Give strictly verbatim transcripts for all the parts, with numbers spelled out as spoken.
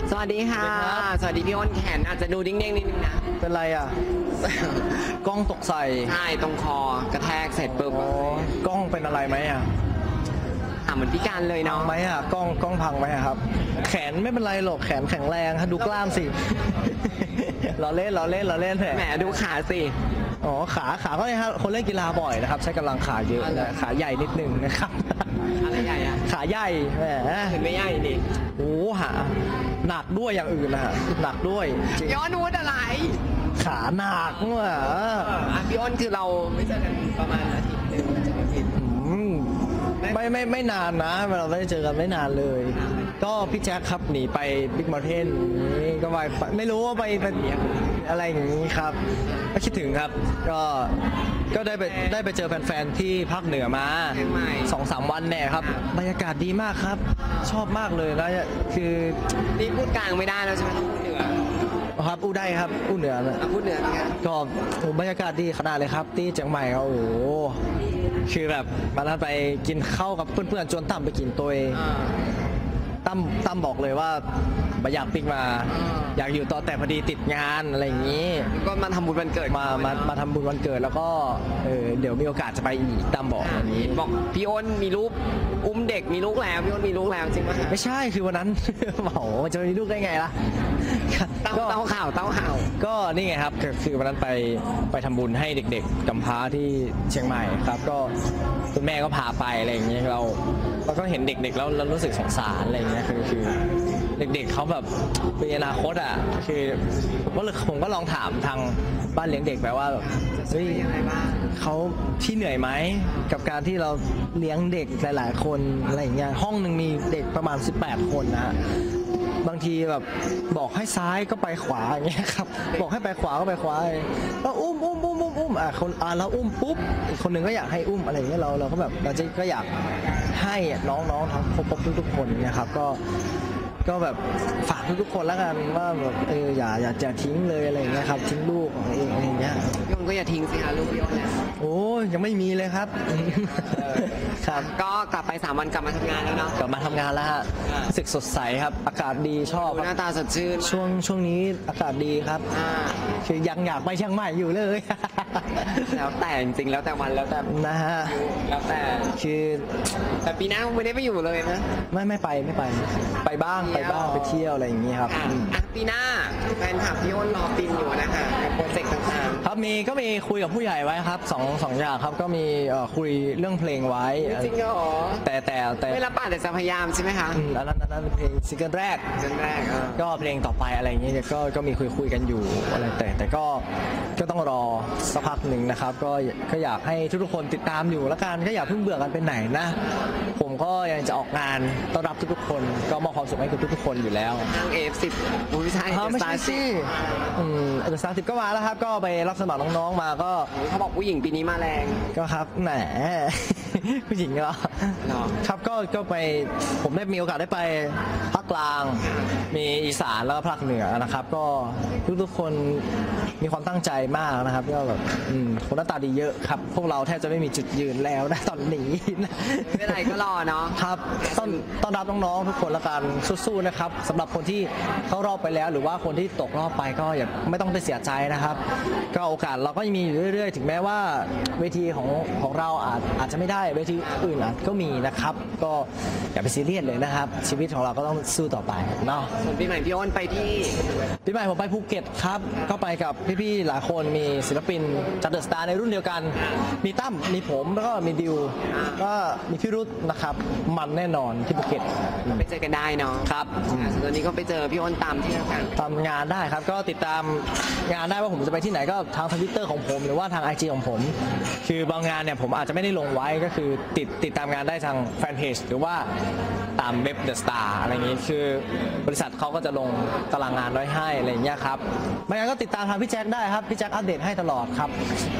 สวัสดีค่ะสวัสดีพี่อ้นแขนอาจจะดูดิ้งๆนิดนึงนะเป็นไรอ่ะ กล้องตกใส่ใช่ตรงคอกระแทกเสร็จปุ๊บกล้องเป็นอะไรไหมอ่ะอ่ะเหมือนพิการเลยเนาะไหมอ่ะกล้องกล้องพังไหมครับแขนไม่เป็นไรหรอกแขนแข็งแรงดูกล้ามสิเราเล่นเราเล่นเราเล่นแหมดูขาสิอ๋อขาขาก็เนี่ยครับคนเล่นกีฬาบ่อยนะครับใช้กำลังขาเยอะขาใหญ่นิดนึงนะครับอะไรใหญ่อะขาใหญ่แหมเห็นไม่ใหญ่ดิโอ้หาหนักด้วยอย่างอื่นนะหนักด้วยย้อนวุฒอะไรขาหนักว่ะพี่อ้นคือเราไม่เจอกันประมาณอาทิตย์หนึ่งจะไม่ผิดไม่ไม่ไม่นานนะเราไม่ได้เจอกันไม่นานเลยก็พี่แจ็คครับหนีไปบิ๊กมอลเทนนี่ก็ไปไม่รู้ว่าไปเป็นอะไรอย่างนี้ครับก็คิดถึงครับก็ก็ได้ไปได้ไปเจอแฟนๆที่ภาคเหนือมาสองสามวันแน่ครับบรรยากาศดีมากครับชอบมากเลยนะคือนี่พูดกลางไม่ได้แล้วใช่ไหมต้องพูดเหนือครับอู้ได้ครับอู้เหนือพูดเหนือก็บรรยากาศดีขนาดเลยครับที่เชียงใหม่เขาโอ้คือแบบมาแล้วไปกินข้าวกับเพื่อนๆจนตั้มไปกินตัวเองตั้มตั้มบอกเลยว่าไม่อยากปิกมาอยากอยู่ต่อแต่พอดีติดงานอะไรอย่างนี้ก็มาทำบุญวันเกิดมามามาทำบุญวันเกิดแล้วก็เออเดี๋ยวมีโอกาสจะไปอีกตั้มบอกอย่างนี้บอกพี่อ้นมีลูกอุ้มเด็กมีลูกแล้วพี่อ้นมีลูกแล้วจริงไหมไม่ใช่คือวันนั้นโอ้โหจะมีลูกได้ไงล่ะเต้าเต้าข่าวเต้าข่าวก็นี่ไงครับคือวันนั้นไปไปทำบุญให้เด็กๆกำพร้าที่เชียงใหม่ครับก็คุณแม่ก็พาไปอะไรอย่างเงี้ยเราเราก็เห็นเด็กๆแล้วเรารู้สึกสงสารอะไรอย่างเงี้ยคือคือเด็กๆเขาแบบเป็นอนาคตอ่ะคือผมก็เลยผมก็ลองถามทางบ้านเลี้ยงเด็กไปว่าแบบเฮ้ยเขาที่เหนื่อยไหมกับการที่เราเลี้ยงเด็กหลายๆคนอะไรอย่างเงี้ยห้องหนึ่งมีเด็กประมาณสิบแปดคนนะบางทีแบบบอกให้ซ้ายก็ไปขวาอย่างเงี้ยครับบอกให้ไปขวาก็ไปขวาแล้วอุ้มอุ้มอุ้มอุ้มอุ้มอ่ะคนอ่ะเราอุ้มปุ๊บอีกคนหนึ่งก็อยากให้อุ้มอะไรอย่างเงี้ยเราเราก็แบบเราจะก็อยากให้น้องๆทั้งครบทุกๆคนนะครับก็ก็แบบฝากทุกๆคนแล้วกันว่าแบบเอออย่าอย่าจะทิ้งเลยอะไรอย่างเงี้ยครับทิ้งลูกของเองอะไรอย่างเงี้ยพี่อ้นก็อย่าทิ้งสิคะลูกพี่อ้นเนี่ยโอ้ยยังไม่มีเลยครับครับก็กลับไปสามวันกลับมาทำงานแล้วเนาะกลับมาทำงานแล้วฮะรู้สึกสดใสครับอากาศดีชอบหน้าตาสดชื่นช่วงช่วงนี้อากาศดีครับคือยังอยากไปเชียงใหม่อยู่เลยแล้วแต่จริงๆแล้วแต่วันแล้วแต่นะฮะแล้วแต่คือแต่ปีหน้าไม่ได้ไปอยู่เลยนะไม่ไม่ไปไม่ไปไปบ้างไปบ้างไปเที่ยวอะไรอย่างนี้ครับปีหน้าแฟนคลับพี่อ้นรอปินอยู่นะคะกับโปรเจกต์ต่างๆครับมีก็มีคุยกับผู้ใหญ่ไว้ครับสองสองอย่างครับก็มีคุยเรื่องเพลงไว้จริงเหรอแต่แต่แต่ไม่รับปากแต่จะพยายามใช่ไหมคะอันนั้นอันนั้นเพลงซิงเกิลแรกซิงเกิลแรกก็เพลงต่อไปอะไรอย่างเงี้ยก็ก็มีคุยคุยกันอยู่อะไรแต่แต่ก็ก็ต้องรอสักพักหนึ่งนะครับก็ก็อยากให้ทุกๆคนติดตามอยู่แล้วกันก็อย่าเพิ่งเบื่อกันไปไหนนะผมก็ยังจะออกงานต้อนรับทุกๆคนก็มอบความสุขให้กับทุกๆคนอยู่แล้วทาง เอ เอฟ สิบ ไม่ใช่ไม่ใช่สิอืมเออสามสิบก็มาแล้วครับก็ไปรับสมัครน้องๆมาก็เขาบอกผู้หญิงปีนี้มาแรงก็ครับแหมผู้หญิงเหรอครับก็ก็ไปผมได้มีโอกาสได้ไปภาคกลางมีอีสานแล้วก็ภาคเหนือนะครับก็ทุกๆคนมีความตั้งใจมากนะครับก็แบบคนหน้าตาดีเยอะครับพวกเราแทบจะไม่มีจุดยืนแล้วนะตอนนี้ไม่เป็นไรก็รอเนาะครับต้อนต้อนรับน้องๆทุกคนละกันสู้ๆนะครับสำหรับคนที่เข้ารอบไปแล้วหรือว่าคนที่ตกรอบไปก็อย่าไม่ต้องไปเสียใจนะครับก็โอกาสเราก็ยังมีอยู่เรื่อยๆถึงแม้ว่าเวทีของของเราอาจอาจจะไม่ได้เวทีอื่นอาจก็มีนะครับก็อย่าไปซีเรียสเลยนะครับชีวิตของเราก็ต้องสู้ต่อไปเนาะส่วนปีใหม่พี่อ้นไปที่ปีใหม่ผมไปภูเก็ตครับก็ไปกับพี่ๆหลายคนมีศิลปินจัดเดอะสตาร์ในรุ่นเดียวกันมีตั้มมีผมแล้วก็มีดิวก็มีพี่รุธนะครับมันแน่นอนที่ภูเก็ตไปเจอกันได้เนาะครับตอนนี้ก็ไปเจอพี่อ้นตามที่กันตามงานได้ครับก็ติดตามงานได้ว่าผมจะไปที่ไหนก็ทางทวิตเตอร์ของผมหรือว่าทาง ไอ จี ของผมคือบางงานเนี่ยผมอาจจะไม่ได้ลงไว้ก็คือติดติดตามงานได้ทางแฟนเพจหรือว่าตามเว็บ The Star อะไรอย่างนี้คือบริษัทเขาก็จะลงตารางงานไว้ให้อะไรอย่างเงี้ยครับไม่งั้นก็ติดตามทางพี่แจ็คได้ครับพี่แจ็คอัปเดตให้ตลอดครับ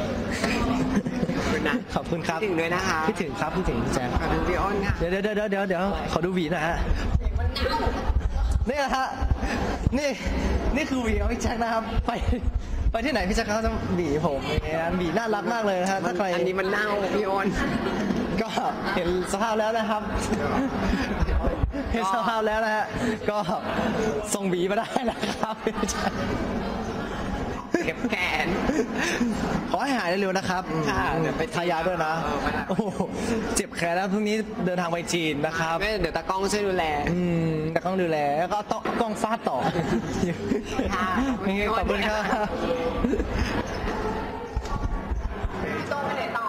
ขอบคุณครับพี่ถึงด้วยนะคะพี่ถึงครับพี่ถึงพี่แจ็คขอดูพี่อ้นค่ะเดี๋ยวเดี๋ยวเดี๋ยวเดี๋ยวเดี๋ยวขอดูหวีนะฮะนี่นะฮะนี่นี่คือหวีของพี่แจ็คนะครับไปไปที่ไหนพี่แจ็คเขาจะหวีผมอย่างเงี้ยหวีน่ารักมากเลยนะฮะถ้าใครอันนี้มันเน่าพี่อ้นก็เห็นสภาพแล้วนะครับเห็นสภาพแล้วนะฮะก็ส่งบีมาได้นะครับเก็บแขนขอให้หายเร็วๆนะครับค่ะเดี๋ยวไปทายาด้วยนะเออไปนะโอ้โหเจ็บแขนแล้วพรุ่งนี้เดินทางไปจีนนะครับไม่เดี๋ยวตากล้องช่วยดูแลอืมแต่ต้องดูแลแล้วก็เอาต้องกล้องฟาดต่อค่ะขอบคุณครับพี่โต้ไปไหนต่อ